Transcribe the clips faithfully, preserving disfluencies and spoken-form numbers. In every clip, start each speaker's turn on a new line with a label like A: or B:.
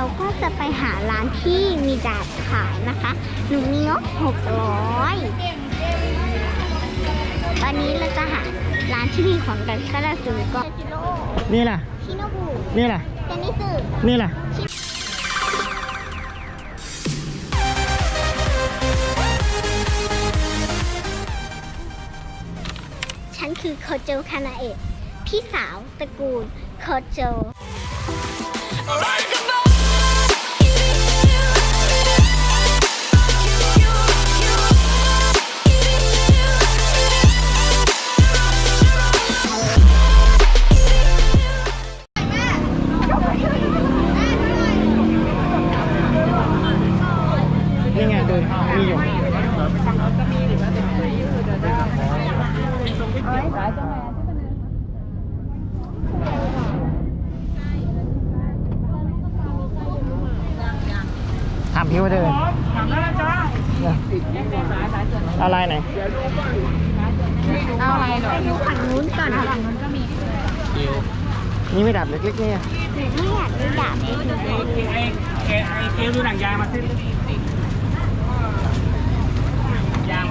A: ก็จะไปหาร้านที่มีดาบขายนะคะหนูมีงบหกร้อยวันนี้เราจะหาร้านที่มีของกันก็จะซื้อก็จิโร่
B: นี่แหละ
A: ชิโนบุ
B: นี่แหละ
A: เจนิสึ
B: นี่แหละ
A: ฉันคือโคโจคานาเอะพี่สาวตระกูลโคโจ
B: นี่ไงดูมีอยู่ถามพี่ว่าเดินเอาลายไหน
A: เอาอะไรหน่อยดูฝั่งนู้นก่อนค่ะฝั่งนู้นก็มี
B: นี่ไม่ดับเล็กๆเนี่ย
A: ไม่อยากดูดาบเลย
C: เอเอดูหนังยางมาสิยาง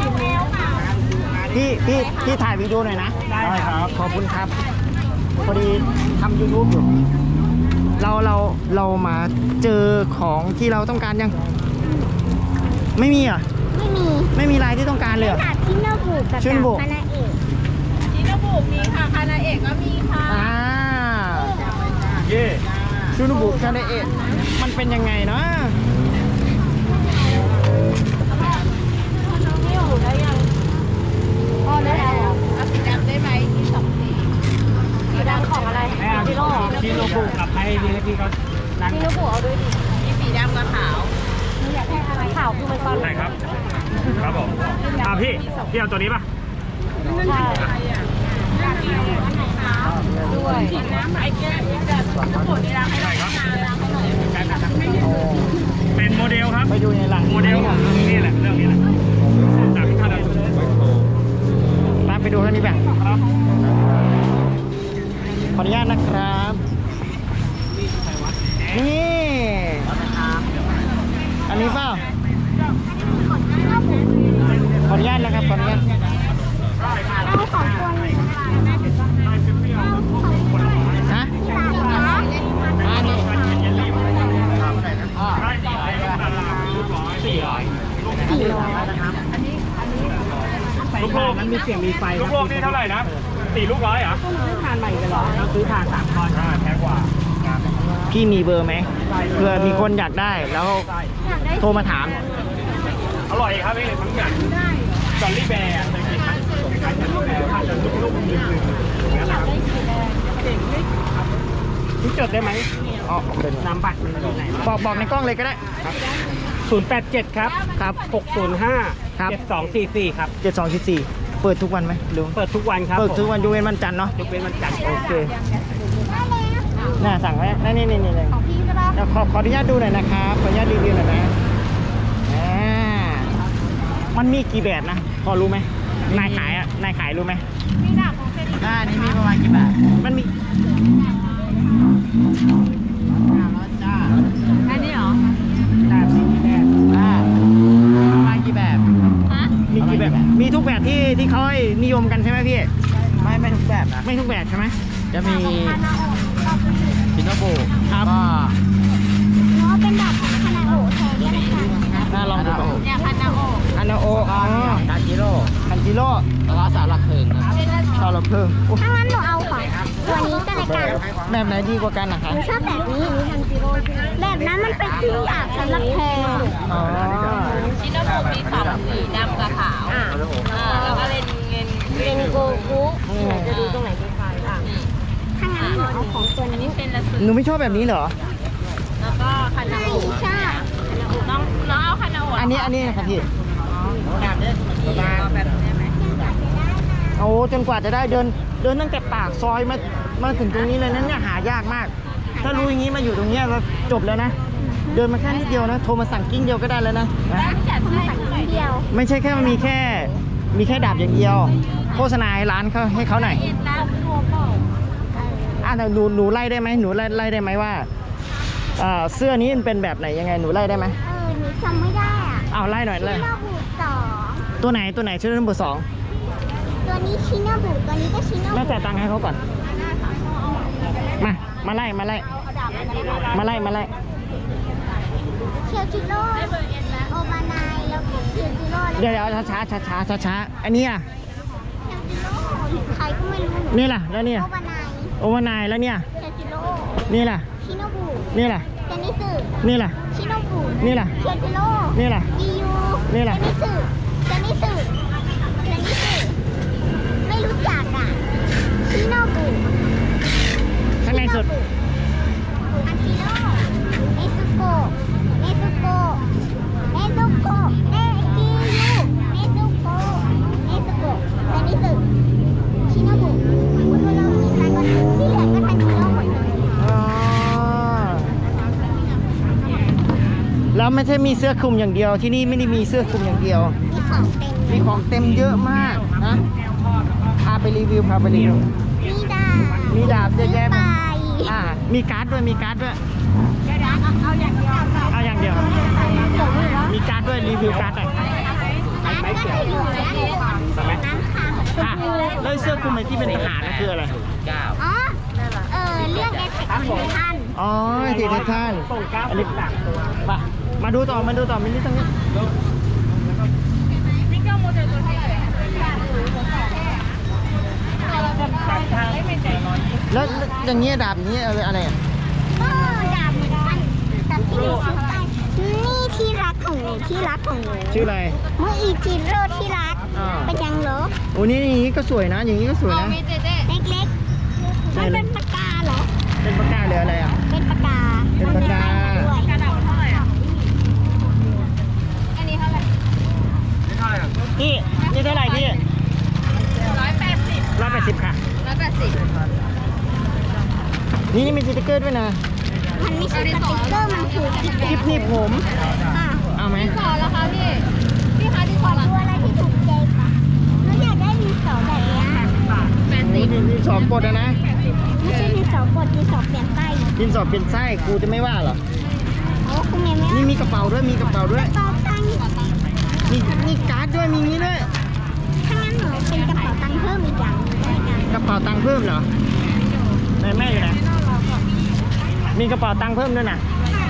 B: พี่พี่พี่ถ่ายวิดีโอหน่อยนะได้ครับขอบคุณครับพอดีทำ ยูทูบ อยู่เราเราเรามาเจอของที่เราต้องการยังไม่มีอ่ะ
A: ไม่มี
B: ไม่มีลายที่ต้องการเลยเหรอ
A: ดาบชิโนบุกับ
B: ชิ
A: ดา
B: โนบุ
A: บคานาเอะ
D: ชิโนบุมีค่ะคานาเอะก็มีค่ะ
B: อ่า
C: เย่
B: ชูนุบุคาเดเอะมันเป็นยังไงเนาะ
D: นี่อยู่ได้ยังอ๋อได้แล้วเอาสีดำได้ไหมที่สองสีสีดำของอะไร
C: ไม่เอาชิโนชิโนบุกับไอ้นี่พี่เขานั่ง
D: ชิโนบุเอาด้วยดิมีสีดำกับขาวอยากได้อะไรขาวคือมันตอน
C: ใช่ครับ ครับผมอ่าพี่ พี่เอาตัวนี้ป่ะ
D: ใช่ด้วยน้ำไอ้แก้วแบบชิโนบุนี่ล้างให้หน่อยล้างให้หน่อย
C: เป็นโมเดลครับ
B: ไปดูในหลัง
C: โมเดลของนี่แหละ เรื่องนี้แหละจากท่านเรา
B: ตามไปดูเท่านี้แบบ
C: ครับ
B: ขออนุญาตนะครับ นี่ อันนี้เปล่าขออนุญาตนะครับ ขออนุญาต
A: เอาของตัวนี้
B: ฮะอันนี้
C: สี่ร้อย
A: สี่ร้อย
C: ลูกโลกมันมีเสียงมีไฟลูกโลกนี่เท่าไหร่นะสี่ลูกร้อยเหรอซื้อทานใหม่กันเหรอเราซื้อทานสามก้อนแพงกว่า
B: พี่มีเบอร์ไหมเผื่อมีคนอยากได้แล้วโทรมาถาม
C: อร่อยครับพี่ทั้งอย่างจอลลี่แบร์เคยกินไหมขายจอลลี่แบร์ทานจนลูกๆดึงๆอย่างนั้นนะครับพี่จดได้ไหมอ๋อเป็นนามบัตรมันอยู่ไหนบอกบอกในกล้องเลยก็ได้ครับศูนย์แปดเจ็ดครับครับหกศูนย์ห้าเจ็ดสองสี่สี่ครับ
B: เจ็ดสองสี่สี่เปิดทุกวันไหมลุง
C: เปิดทุกวันครับ
B: เปิดทุกวันยกเว้นวันจันทร์เนาะ
C: ยกเว้นวันจันทร์
B: โอเคน่าสั่งไว้นี่นี่นี่เลย
A: ของพี่ก็ได้
B: เดี๋ยวขอขออนุญาตดูหน่อยนะครับขออนุญาตรีวิวหน่อยนะอ่ามันมีกี่แบบนะพอรู้ไหมนายขายอ่ะนายขายรู้ไหม
D: มีดาบของเซนิ
B: อ่านี่มีประมาณกี่แบบมันมี
D: อันนี้เหรอ
B: แบบมีกี่แบบอ่าประมาณกี่แบบ
D: ฮะ
B: มีกี่แบบมีทุกแบบที่ที่เขานิยมกันใช่ไหมพี่ไม่ไม่ทุกแบบนะไม่ทุกแบบใช่ไหมจะมีชินโนบุครับ
A: เพราะเป็นดาบของคานาโอะแทนก็ได้ค่ะ
B: น่าลองดูก่อน
D: เนี่ยพันนาโอ
B: อันนาโออ๋อคันจิโร่คันจิโร่แล้วก็สารหลักเพลิงครับสารหลักเพลิง
A: ถ้างั้นหนูเอาของตัวนี้ก็แล้วกัน
B: แบบไหนดีกว่ากันนะคะ
A: หนูชอบแบบนี้แบบนั้นมันเป็นที่อยากสำหรับแพง
B: อ๋อ
D: ชิโนบุมีสองสีดำกับขาวอ่าแล้วก็เลนเงินเงินโกคุ
B: จะดูตรงไหน
A: ถ้างั้นหนูเอาของตัว
D: อัน
A: นี้
D: นี้เป็นละสุด
B: หนูไม่ชอบแบบนี้เหรอ
D: แล้วก็พันนา
A: ไม่
D: โอ
A: ชอบ
D: น้องน้องเอาพันนาโอ
B: อันนี้อันนี้นะครับพี่
D: แบบนี้แบบนี้ไหม
B: โอ้จนกว่าจะได้เดินเดินตั้งแต่ปากซอยมามาถึงตรงนี้เลยนั้นเนี่ยหายากมาก ถ้ารู้อย่างนี้มาอยู่ตรงเนี้ยเราจบแล้วนะ เดินมาแค่นิดเดียวนะโทรมาสั่งกิ้งเดียวก็ได้แล้วนะนะ
D: จัดให้หน่อย
A: เดียว
B: ไม่ใช่แค่มีแค่มีแค่ดาบอย่างเดียว โฆษณาให้ร้านเขาให้เขาหน่อย
D: เอ็นน้ำรวมเปล่า
B: อ่ะหนูหนูไล่ได้ไหมหนูไล่ไล่ได้ไหมว่า ชอ่าเสื้อนี้มันเป็นแบบไหนยังไงหนูไล่ได้ไหม
A: เออหนูจำไม่ได้อ่ะ
B: เอาไล่หน่อยเลย
A: ชิโนบุสอง
B: ตัวไหนตัวไหนชื่อเบอร์สอง
A: ตัวนี้ชิโนบุตัวนี้ก็ชิโน
B: แม่
A: บุ
B: จ่ายตังค์ให้เขาก่อนมามาไล่มาไล่มาไล่มาไล่
A: เคียวจิโร่โอบานายแล้วก็เคียวจิโร่แล้ว
B: เดี๋ยวเดี๋ยวช้าช้าช้าช้าช้าช้าอันนี้อ่ะ
A: เคียวจิโร่ใครก็ไม่รู้หนู
B: นี่ล่ะแล้วเนี่ย
A: โอบานาย
B: โอวานายแล้วเนี่ย
A: เคียวจิโร่
B: นี่ล่ะ
A: ชิโนบุ
B: นี่ล่ะ
A: เซนิสึ
B: นี่ล่ะ
A: ชิโนบุ
B: นี่ล่ะ
A: เคียวจิโร่
B: นี่ล่ะ
A: อียู
B: นี่ล่ะ
A: เซนิสึเซนิสึเซนิสึไม่รู้จักอ่ะชิโนบุ
B: ข้างในสุด
A: อากิโร่เนซุโกะเนซุโกะเนซุโกะเนกิยูเนซุโกะเนซุโกะเซนิสึชิโนบุคุณเรามีใครก็ที่เหลือก็ทันชิโร่หมดเลย
B: อ๋อแล้วไม่ใช่มีเสื้อคลุมอย่างเดียวที่นี่ไม่ได้มีเสื้อคลุมอย่างเดียว
A: มีของเต็ม
B: มีของเต็มเยอะมากนะพาไปรีวิวพาไปรีวิว
A: มีดาบ
B: มีดาบเยอะแยะ
A: ไป
B: มากอ่ามีการ์ดด้วยมีการ์ดด้วย
A: เอาอย่างเดียว
B: เอาอย่างเดียว มีการ์ดด้วยรีวิวการ์ดหน่อย
A: ร้านก็จะอยู่ร้านร้านค้า
B: อ่ะแล้วเสื้อคลุมไอ้ที่เป็นทหารนั่นคืออะไร
A: อ๋อเออเรื่องแอทแทคของท่าน
B: อ๋อที่ท่านท่าน
C: ส่งเก้า
B: อันนี้
C: สามตัว
B: ไปมาดูต่อมาดูต่อมินนี่ตรงนี้แล้วอย่างเงี้ยดาบนี้อะไรอะไรอ่ะ
A: ก็ดาบเหมือนกันแต่ที่หนูซื้อไปนี่ที่รักของหนูที่รักของหนู
B: ชื่ออะไร
A: เมื่ออีจิโร่ที่รัก
B: อ่า
A: เป็นยังเหรอ
B: โอ้นี่อย่างนี้ก็สวยนะ อย่างนี้ก็สวยนะ
A: เล็กๆมันเป็นปากกาเหรอ
B: เป็นปากกาหรืออะไรอ่ะ
A: เป็นปากกา
B: เป็นปากกา
A: ด้วย
B: พี่นี่เท่าไหร่พี่
D: ร้อยแปดสิบ
B: ร้อยแปดสิบค่ะ
D: ร้อยแปดสิบ
B: นี่มีสติ๊กเกอร์ด้วยนะ
A: มันไม่ใช่สติ๊กเกอร์มันคือติ๊กเกอ
B: คลิป
A: ร์
B: หนี่ผม
A: ค่ะ
B: เอาไหม
D: ขอแล้วคะพี่ พี่คะที่ข
A: ข
D: อ
A: อ
D: ละ
A: ดูอะไรที่ถูกใจปะหนูอยากได้ดินสอแบบเนี้ย
D: แปดสิ
B: นี่
D: บ
B: ดินสอกดอะนะ
A: ไม่ใช่ดินสอกดดินสอเปลี่ยนไส้
B: ดินสอเป็นไส้ครูจะไม่ว่าเหรอ
A: โอ้คุณแม่ไม่
B: นี่มีกระเป๋าด้วยมีกระเป๋าด้วย
A: เป๋าตังค์
B: มีมีการ์ดด้วยมีนี้ด้วย
A: ถ้างั้นหนูเป็นกระเป๋าตังค์เพิ่มอีกอย่างหนึงได้กัน
B: กระเป๋าตังค์เพิ่มเหรอไหนแม่อยู่ไหนมีกระเป๋าตังค์เพิ่มด้วยนะ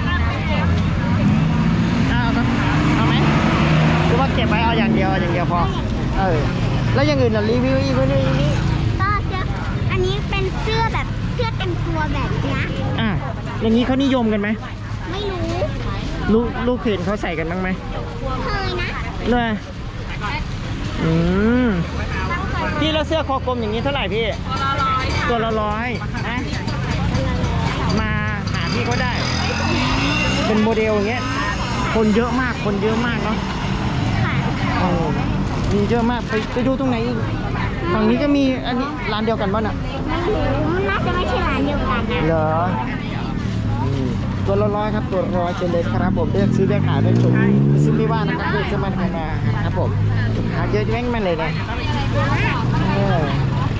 B: เอาครับเอาไหมหรือว่าเก็บไว้เอาอย่างเดียวเอาอย่างเดียวพอเออแล้วอย่างอื่นล่ะรีวิวอีกคนนึงอีกนี้
A: ก็เสื้ออันนี้เป็นเสื้อแบบเสื้อเต็มตัวแบบเนี้ย
B: อ่ะอย่างนี้เขานิยมกันไหม
A: ไม่รู้
B: ลูกลูกเห็นเขาใส่กันบ้างไหม
A: เคยนะ
B: เลยอืมพี่แล้วเสื้อคอกลมอย่างนี้เท่าไหร่พี่ตัวละร้อยนะมาหาพี่ก็ได้ เป็นโมเดลอย่างเงี้ยคนเยอะมากคนเยอะมากเนาะ
A: ค่ะ
B: โอ้มีเยอะมากไปไปดูตรงไหนอีกฝั่งนี้ก็มีอันนี้ร้านเดียวกันป่ะน่ะ
A: ไม่รู้มันน่าจะไม่ใช่ร้านเดียวกันนะ
B: เหรอนี่ตัวละร้อยครับตัวละร้อยเจนเลยครับผมเลือกซื้อเลือกขายได้ชมซื้อไม่ว่านะครับเลือกซื้อมาทำมาครับผมหาเยอะแม่งมาเลยนะเออ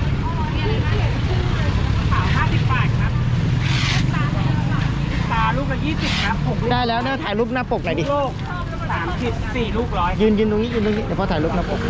C: ขาวห้าสิบบาทครับตาลูกละยี่สิบครับหกลูก
B: ได้แล้วเนี่ยถ่ายรูปหน้าปกหน่อยดิ
C: โลกสามสิบสี่ลูกร้อย
B: ยืนยืนตรงนี้ยืนตรงนี้เดี๋ยวพอถ่ายรูปหน้าปก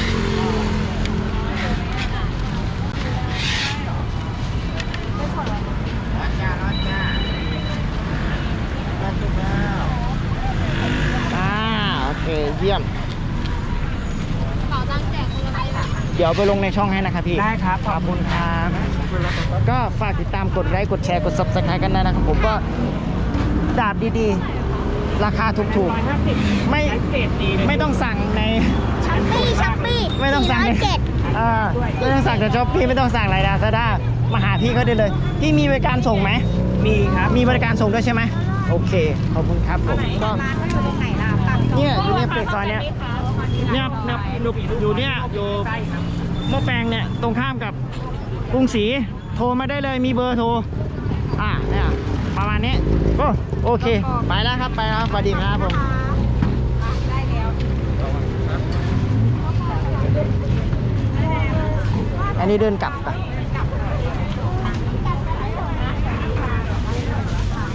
B: อ่าโอเคเยี่ยม
D: ขอตังค์แจกคนละใบค่ะ
B: เดี๋ยวไปลงในช่องให้นะครับพี่
C: ได้ครับ
B: ขอบคุณครับก็ฝากติดตามกดไลค์กดแชร์กด ซับสไครบ์ กันได้นะครับผมก็ดาบดีๆ ราคาถูก
C: ร้อยห้าสิบ
B: ๆ ไม่
C: เกรดดีเลย
B: ไม่ต้องสั่งใน
A: ช้อปปี้ช้อปปี้
B: ไม่ต้องสั่งใน
A: เจ็ด
B: อ่าไม่ต้องสั่งจากช้อปปี้ไม่ต้องสั่งอะไรนะซาด้ามาหาพี่เขาได้เลย พี่มีบริการส่งไหม
C: มีครับ
B: มีบริการส่งด้วยใช่ไหมโอเค ขอบคุณครับผมก็เนี่ยอยู่เนี่ยเปิดซอยเนี่ยเนี่ยเนี่ยอยู่อยู่เนี่ยอยู่
C: ใช่ครับ
B: หม้อแปลงเนี่ยตรงข้ามกับกรุงศรีโทรมาได้เลยมีเบอร์โทรอ่าเนี่ยประมาณนี้โอ้โอเค ไปแล้วครับไปแล้วครับสวัสดีครับผมอันนี้เดินกลับไป